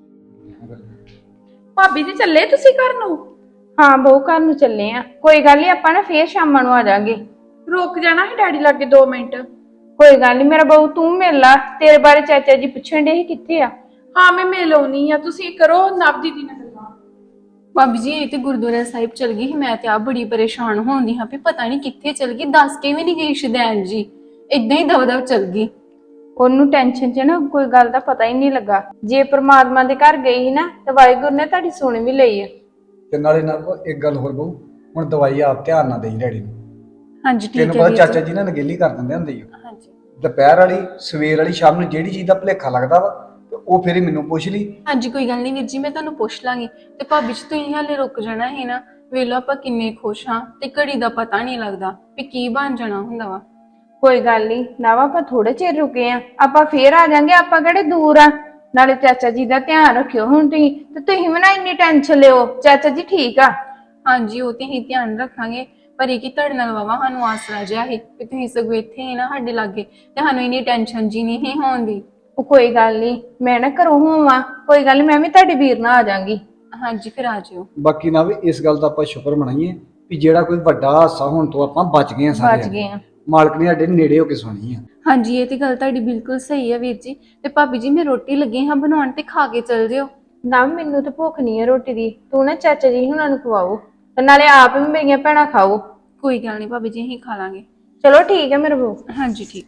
Speaker 1: ਭਾਬੀ ਜੀ ਚੱਲੇ ਤੁਸੀਂ ਘਰ ਨੂੰ?
Speaker 7: ਹਾਂ ਬਹੂ ਘਰ ਨੂੰ ਚੱਲੇ ਆ, ਕੋਈ ਗੱਲ ਨਹੀਂ ਆਪਾਂ ਨਾ ਫੇਰ ਸ਼ਾਮਾਂ ਨੂੰ ਆ ਜਾਾਂਗੇ।
Speaker 1: ਰੁਕ ਜਾਣਾ ਸੀ ਡੈਡੀ ਲੱਗੇ ਦੋ ਮਿੰਟ?
Speaker 7: ਕੋਈ ਗੱਲ ਨਹੀਂ ਮੇਰਾ ਬਹੂ, ਤੂੰ ਮਿਲ ਲਾ, ਤੇਰੇ ਬਾਰੇ ਚਾਚਾ ਜੀ ਪੁੱਛਣ ਦੇ ਕਿੱਥੇ ਆ।
Speaker 1: ਹਾਂ ਮੈਂ ਮਿਲ ਆਉਣੀ ਆ, ਤੁਸੀਂ ਕਰੋ ਨਵ ਦੀਦੀ ਨਾਲ ਗੱਲਾਂ।
Speaker 4: ਭਾਬੀ ਜੀ ਇਹ ਤੇ ਗੁਰਦੁਆਰਾ ਸਾਹਿਬ ਚਲ ਗਈ ਸੀ, ਮੈਂ ਤੇ ਆ ਬੜੀ ਪਰੇਸ਼ਾਨ ਹੋਉਂਦੀ ਹਾਂ ਵੀ ਪਤਾ ਨਹੀਂ ਕਿੱਥੇ ਚਲ ਗਈ, ਦੱਸ ਕੇ ਵੀ ਨਹੀਂ ਗਈ ਸ਼ਦੈਨ ਜੀ, ਇਦਾਂ ਹੀ ਦਵਦਵ ਚਲ ਗਈ।
Speaker 7: ਉਹਨੂੰ ਟੈਨਸ਼ਨ 'ਚ ਨਾ ਕੋਈ ਗੱਲ ਦਾ ਪਤਾ ਹੀ ਨਹੀਂ ਲੱਗਾ। ਜੇ ਪ੍ਰਮਾਤਮਾ ਦੇ ਘਰ ਗਈ ਸੀ ਨਾ ਤੇ ਵਾਹਿਗੁਰੂ ਨੇ ਤੁਹਾਡੀ ਸੁਣ ਵੀ ਲਈ ਆ।
Speaker 5: ਤੇ ਨਾਲੇ ਨਾਲ ਇੱਕ ਗੱਲ ਹੋਰ ਬਹੂ, ਹੁਣ ਦਵਾਈ ਆਪ ਧਿਆਨ ਨਾਲ ਦੇਈ ਡੈਡੀ ਨੂੰ।
Speaker 4: ਹਾਂਜੀ ਠੀਕ
Speaker 5: ਤੈਨੂੰ
Speaker 4: ਹੈ
Speaker 5: ਪਤਾ ਚਾਚਾ ਜੀ ਨਾਲ ਨਗੇਲੀ ਕਰ ਦਿੰਦੇ ਹੁੰਦੇ ਆ।
Speaker 4: ਹਾਂਜੀ
Speaker 5: ਦੁਪਹਿਰ ਵਾਲੀ ਸਵੇਰ ਵਾਲੀ ਸ਼ਾਮ ਨੂੰ ਜਿਹੜੀ ਚੀਜ਼ ਦਾ ਭੁਲੇਖਾ ਲੱਗਦਾ ਵਾ ਤੇ ਉਹ ਫਿਰ ਹੀ ਮੈਨੂੰ ਪੁੱਛ ਲਈ।
Speaker 4: ਹਾਂਜੀ ਕੋਈ ਗੱਲ ਨਹੀਂ ਵੀਰ ਜੀ, ਮੈਂ ਤੁਹਾਨੂੰ ਪੁੱਛ ਲਾਂਗੀ। ਤੇ ਭਾਬੀ ਜੀ ਤੁਸੀਂ ਹਾਲੇ ਰੁਕ ਜਾਣਾ ਹੈ ਨਾ, ਵੇਲੋ ਆਪਾਂ ਕਿੰਨੇ ਖੁਸ਼ ਹਾਂ ਤੇ ਘੜੀ ਦਾ ਪਤਾ ਨਹੀਂ ਲੱਗਦਾ ਵੀ ਕੀ ਬਣ ਜਾਣਾ ਹੁੰਦਾ ਵਾ।
Speaker 7: ਕੋਈ ਗੱਲ ਨਹੀਂ ਨਾਵਾ, ਆਪਾਂ ਥੋੜੇ ਚਿਰ ਰੁਕੇ ਆ, ਆਪਾਂ ਫੇਰ ਆ ਜਾਾਂਗੇ, ਆਪਾਂ ਕਿਹੜੇ ਦੂਰ ਆ। ਨਾਲੇ ਚਾਚਾ ਜੀ ਦਾ ਧਿਆਨ ਰੱਖਿਓ ਹੁਣ ਤੁਸੀਂ, ਤੇ ਤੁਸੀਂ ਵੀ ਨਾ ਇੰਨੀ ਟੈਨਸ਼ਨ ਲਿਓ, ਚਾਚਾ ਜੀ ਠੀਕ ਆ।
Speaker 4: ਹਾਂਜੀ ਉਹ ਤੇ ਹੀ ਧਿਆਨ ਰੱਖਾਂਗੇ, ਪਰ ਇਹ ਕਿ ਤੁਹਾਡੇ ਨਾਲ ਵਾਵਾ ਸਾਨੂੰ ਆਸਰਾ ਜਿਹਾ ਹੈ ਕਿ ਤੁਸੀਂ ਸਗੋਂ ਇੱਥੇ ਹੀ ਨਾ ਸਾਡੇ ਲਾਗੇ, ਤੇ ਸਾਨੂੰ ਇੰਨੀ ਟੈਨਸ਼ਨ ਜੀ ਨਹੀਂ ਹੋਉਂਦੀ।
Speaker 7: ਉਹ ਕੋਈ ਗੱਲ ਨਹੀਂ, ਮੈਂ ਨਾ ਘਰੋਂ ਹੋਵਾਂ, ਕੋਈ ਗੱਲ ਨੀ, ਮੈਂ ਵੀ ਤੁਹਾਡੇ ਵੀਰ ਨਾਲ ਆ ਜਾਾਂਗੀ।
Speaker 4: ਹਾਂਜੀ ਫਿਰ ਆ ਜਿਓ।
Speaker 5: ਬਾਕੀ ਨਾ ਵੀ ਇਸ ਗੱਲ ਦਾ ਆਪਾਂ ਸ਼ੁਕਰ ਮਨਾਈਏ ਵੀ ਜਿਹੜਾ ਕੋਈ ਵੱਡਾ ਹਾਦਸਾ ਹੋਣ ਤੋਂ ਆਪਾਂ ਬਚ ਗਏ ਆ ਸਾਰੇ।
Speaker 7: ਬਚ ਗਏ ਆ।
Speaker 5: ਮਾਲਕ ਨੇ ਸਾਡੇ ਨੇੜੇ ਹੋ ਕੇ ਸੁਣੀ ਆ।
Speaker 4: ਹਾਂਜੀ ਇਹ ਤੇ ਗੱਲ ਤੁਹਾਡੀ ਬਿਲਕੁਲ ਸਹੀ ਹੈ ਵੀਰ ਜੀ। ਤੇ ਭਾਬੀ ਜੀ ਮੈਂ ਰੋਟੀ ਲੱਗੀ ਹਾਂ ਬਣਾਉਣ, ਤੇ ਖਾ ਕੇ ਚਲ ਜਿਓ।
Speaker 7: ਨਾ ਮੈਨੂੰ ਤਾਂ ਭੁੱਖ ਨਹੀਂ ਹੈ ਰੋਟੀ ਦੀ, ਤੂੰ ਨਾ ਚਾਚਾ ਜੀ ਹੁਣਾਂ ਨੂੰ ਖਵਾਓ, ਤੇ ਨਾਲੇ ਆਪ ਵੀ ਮੇਰੀਆਂ ਭੈਣਾਂ ਖਾਓ।
Speaker 4: ਕੋਈ ਗੱਲ ਨਹੀਂ ਭਾਬੀ ਜੀ, ਅਸੀਂ ਖਾ ਲਾਂਗੇ।
Speaker 7: ਚਲੋ ਠੀਕ ਹੈ ਮੇਰੇ ਬਹੂ।
Speaker 4: ਹਾਂਜੀ ਠੀਕ।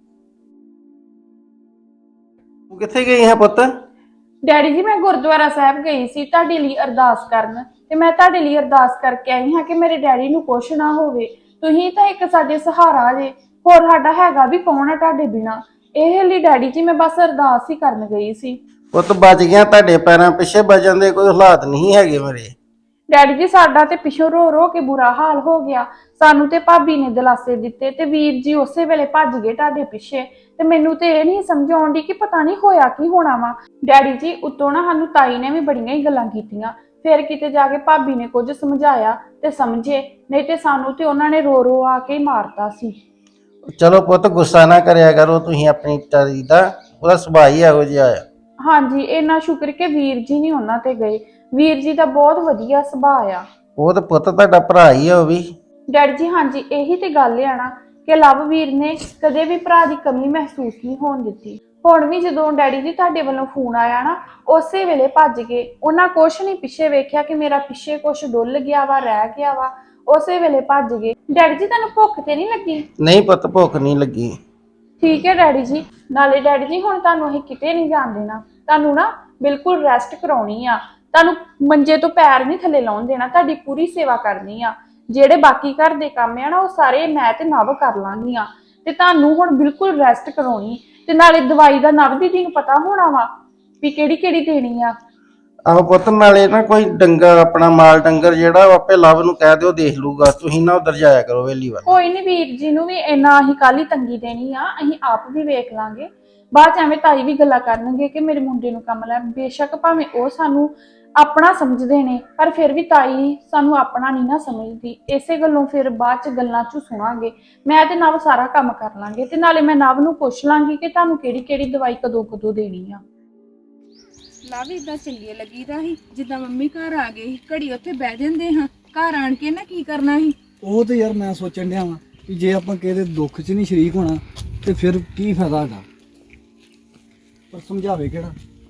Speaker 6: ਤੂੰ ਕਿੱਥੇ ਗਈ ਹੈ ਪੁੱਤ?
Speaker 1: ਡੈਡੀ ਜੀ ਮੈਂ ਗੁਰਦੁਆਰਾ ਸਾਹਿਬ ਗਈ ਸੀ ਤੁਹਾਡੇ ਲਈ ਅਰਦਾਸ ਕਰਨ, ਤੇ ਮੈਂ ਤੁਹਾਡੇ ਲਈ ਅਰਦਾਸ ਕਰਕੇ ਆਈ ਹਾਂ ਕਿ ਮੇਰੇ ਡੈਡੀ ਨੂੰ ਕੁਛ ਨਾ ਹੋਵੇ। ਤੁਸੀਂ ਤਾਂ ਇੱਕ ਸਾਡੇ ਸਹਾਰਾ ਜੇ, ਹੋਰ ਸਾਡਾ ਹੈਗਾ ਵੀ ਕੌਣ ਆ ਤੁਹਾਡੇ ਬਿਨਾ। ਇਹ ਲਈ ਡੈਡੀ ਜੀ ਮੈਂ ਬਸ ਅਰਦਾਸ ਹੀ ਕਰਨ ਗਈ ਸੀ।
Speaker 6: ਪੁੱਤ ਬਚ ਗਿਆ, ਤੁਹਾਡੇ ਪੈਰਾਂ ਪਿੱਛੇ ਬਚਣ ਦੇ ਕੋਈ ਹਾਲਾਤ ਨਹੀਂ ਹੈਗੇ ਮੇਰੇ।
Speaker 1: ਡੈਡੀ ਜੀ ਸਾਡਾ ਤੇ ਪਿੱਛੋਂ ਰੋ ਰੋ ਕੇ ਬੁਰਾ ਹਾਲ ਹੋ ਗਿਆ, ਸਾਨੂੰ ਤੇ ਭਾਬੀ ਨੇ ਦਿਲਾਸੇ ਦਿੱਤੇ ਤੇ ਵੀਰ ਜੀ ਉਸੇ ਵੇਲੇ ਭੱਜ ਗਏ ਤੁਹਾਡੇ ਪਿੱਛੇ। ਤੇ ਮੈਨੂੰ ਤੇ ਇਹ ਨਹੀਂ ਸਮਝ ਆਉਂਦੀ ਕਿ ਪਤਾ ਨਹੀਂ ਹੋਇਆ ਕੀ ਹੋਣਾ ਵਾ। ਡੈਡੀ ਜੀ ਉੱਤੋਂ ਨਾ ਸਾਨੂੰ ਤਾਈ ਨੇ ਵੀ ਬੜੀਆਂ ਹੀ ਗੱਲਾਂ ਕੀਤੀਆਂ, ਫਿਰ ਕਿਤੇ ਜਾ ਕੇ ਭਾਬੀ ਨੇ ਕੁਝ ਸਮਝਾਇਆ ਤੇ ਸਮਝੇ, ਨਹੀਂ ਤੇ ਸਾਨੂੰ ਤੇ ਉਹਨਾਂ ਨੇ ਰੋ ਰੋ ਆ ਕੇ ਮਾਰਤਾ ਸੀ।
Speaker 6: ਚਲੋ ਪੁੱਤ ਗੁੱਸਾ ਨਾ ਕਰਿਆ ਕਰੋ ਤੁਸੀਂ ਆਪਣੀ ਤਾਰੀ ਦਾ, ਉਹਦਾ ਸੁਭਾਅ ਹੀ ਇਹੋ ਜਿਹਾ ਆ।
Speaker 1: ਹਾਂਜੀ ਇੰਨਾ ਸ਼ੁਕਰ ਕਿ ਵੀਰ ਜੀ ਨਹੀਂ ਉਹਨਾਂ ਤੇ ਗਏ, ਵੀਰ ਜੀ ਦਾ ਬਹੁਤ ਵਧੀਆ ਸੁਭਾਅ ਆ।
Speaker 6: ਉਹ ਤਾਂ ਪੁੱਤ ਤੁਹਾਡਾ ਭਰਾ ਹੀ ਆ ਉਹ ਵੀ।
Speaker 1: ਡੈਡੀ ਜੀ ਹਾਂਜੀ ਇਹੀ ਤੇ ਗੱਲ ਆ ਨਾ
Speaker 7: ਕਿ ਲਵਵੀਰ ਨੇ ਕਦੇ ਵੀ ਭਰਾ ਦੀ ਕਮੀ ਮਹਿਸੂਸ ਨਹੀਂ ਹੋਣ ਦਿੱਤੀ। ਹੁਣ ਵੀ ਜਦੋਂ ਡੈਡੀ ਜੀ ਤੁਹਾਡੇ ਵੱਲੋਂ ਫੋਨ ਆਇਆ ਨਾ, ਉਸੇ ਵੇਲੇ ਭੱਜ ਗਏ। ਉਹਨਾਂ ਕੁਛ ਨਹੀਂ ਪਿੱਛੇ ਵੇਖਿਆ ਕਿ ਮੇਰਾ ਪਿੱਛੇ ਕੁਛ ਡੁੱਲ ਗਿਆ ਵਾ, ਰਹਿ ਗਿਆ ਵਾ, ਉਸੇ ਵੇਲੇ ਭੱਜ ਗਏ। ਡੈਡੀ ਜੀ ਤੁਹਾਨੂੰ ਭੁੱਖ ਤੇ ਨਹੀਂ ਲੱਗੀ?
Speaker 6: ਨਹੀਂ ਪੁੱਤ, ਭੁੱਖ ਨਹੀਂ ਲੱਗੀ।
Speaker 7: ਠੀਕ ਹੈ ਡੈਡੀ ਜੀ। ਨਾਲੇ ਡੈਡੀ ਜੀ ਹੁਣ ਤੁਹਾਨੂੰ ਅਸੀਂ ਕਿਤੇ ਨਹੀਂ ਜਾਣ ਦੇਣਾ, ਤੁਹਾਨੂੰ ਨਾ ਬਿਲਕੁਲ ਰੈਸਟ ਕਰਾਉਣੀ ਆ, ਤੁਹਾਨੂੰ ਮੰਜੇ ਤੋਂ ਪੈਰ ਨਹੀਂ ਥੱਲੇ ਲਾਉਣ ਦੇਣਾ, ਤੁਹਾਡੀ ਪੂਰੀ ਸੇਵਾ ਕਰਨੀ ਆ। ਜਿਹੜੇ ਬਾਕੀ ਘਰ ਦੇ ਕੰਮ ਆ ਨਾ ਉਹ ਸਾਰੇ ਮੈਂ ਤੇ ਨਵ ਕਰ ਲਾਂਗੀ ਆ, ਤੇ ਤੁਹਾਨੂੰ ਹੁਣ ਬਿਲਕੁਲ ਰੈਸਟ ਕਰਾਉਣੀ। ਤੇ ਨਾਲੇ ਦਵਾਈ ਦਾ ਨਵ ਦੀ ਨੂੰ ਪਤਾ ਹੋਣਾ ਵਾ ਵੀ ਕਿਹੜੀ ਕਿਹੜੀ ਦੇਣੀ ਆ।
Speaker 6: ਆਹੋ ਪੁੱਤ, ਨਾਲੇ ਨਾ ਕੋਈ ਡੰਗਰ ਆਪਣਾ ਮਾਲ ਡੰਗਰ ਜਿਹੜਾ ਉਹ ਆਪੇ ਲਵ ਨੂੰ ਕਹਿ ਦਿਓ ਦੇਖ ਲੂਗਾ, ਤੁਸੀਂ ਨਾ ਉਧਰ ਜਾਇਆ ਕਰੋ ਵੇਲੀ ਵੱਲ।
Speaker 7: ਕੋਈ ਨਹੀਂ ਵੀਰ ਜੀ ਨੂੰ ਵੀ ਇੰਨਾ ਅਸੀਂ ਕੱਲ ਹੀ ਤੰਗੀ ਦੇਣੀ ਆ, ਅਸੀਂ ਆਪ ਵੀ ਵੇਖ ਲਾਂਗੇ। ਬਾਅਦ ਚ ਐਵੇਂ ਤਾਈ ਵੀ ਗੱਲਾਂ ਕਰਨਗੇ ਕਿ ਮੇਰੇ ਮੁੰਡੇ ਨੂੰ ਕੰਮ ਲੈ। ਬੇਸ਼ੱਕ ਭਾਵੇਂ ਉਹ ਸਾਨੂੰ ਆਪਣਾ ਸਮਝਦੇ ਨੇ, ਪਰ ਫਿਰ ਵੀ ਤਾਈ ਸਾਨੂੰ ਆਪਣਾ ਨਹੀਂ ਨਾ ਸਮਝਦੀ। ਇਸੇ ਗੱਲੋਂ ਫਿਰ ਬਾਅਦ ਚ ਗੱਲਾਂ ਚ ਸੁਣਾਂਗੇ। ਮੈਂ ਤੇ ਨਵ ਸਾਰਾ ਕੰਮ ਕਰ ਲਾਂਗੇ, ਤੇ ਨਾਲੇ ਮੈਂ ਨਵ ਨੂੰ ਪੁੱਛ ਲਾਂਗੀ ਕਿ ਤੁਹਾਨੂੰ ਕਿਹੜੀ ਕਿਹੜੀ ਦਵਾਈ ਕਦੋਂ ਕਦੋਂ ਦੇਣੀ ਆ।
Speaker 1: ਲਵ ਇਦਾਂ ਚੰਗੇ ਲੱਗੀਦਾ ਸੀ, ਜਿੱਦਾਂ ਮੰਮੀ ਘਰ ਆ ਗਏ ਸੀ, ਘੜੀ ਉੱਥੇ ਬਹਿ ਜਾਂਦੇ ਹਾਂ, ਘਰ ਆਣ ਕੇ ਨਾ ਕੀ ਕਰਨਾ ਸੀ।
Speaker 8: ਉਹ ਤੇ ਯਾਰ ਮੈਂ ਸੋਚਣ ਡਿਆ ਵਾਂ ਕਿ ਜੇ ਆਪਾਂ ਕਿਸੇ ਦੇ ਦੁੱਖ 'ਚ ਨਹੀਂ ਸ਼ਰੀਕ ਹੋਣਾ ਤੇ ਫਿਰ ਕੀ ਫਾਇਦਾ ਹੈਗਾ, ਪਰ ਸਮਝਾਵੇ ਕਿਹੜਾ।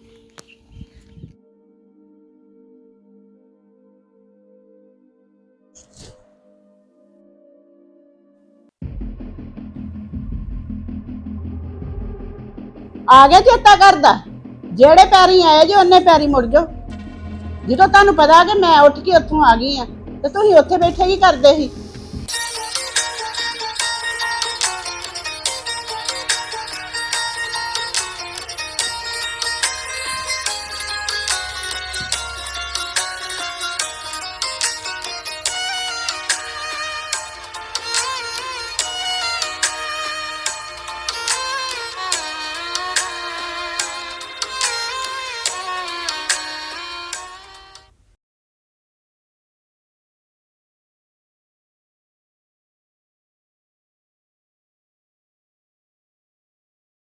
Speaker 2: ਆ ਗਿਆ ਚੇਤਾ ਕਰਦਾ, ਜਿਹੜੇ ਪੈਰੀ ਆਏ ਜੇ ਉਹਨੇ ਪੈਰੀ ਮੁੜ ਜਾਓ। ਜਦੋਂ ਤੁਹਾਨੂੰ ਪਤਾ ਕਿ ਮੈਂ ਉੱਠ ਕੇ ਉੱਥੋਂ ਆ ਗਈ ਆ ਤੇ ਤੁਸੀਂ ਉੱਥੇ ਬੈਠੇ ਕੀ ਕਰਦੇ ਸੀ?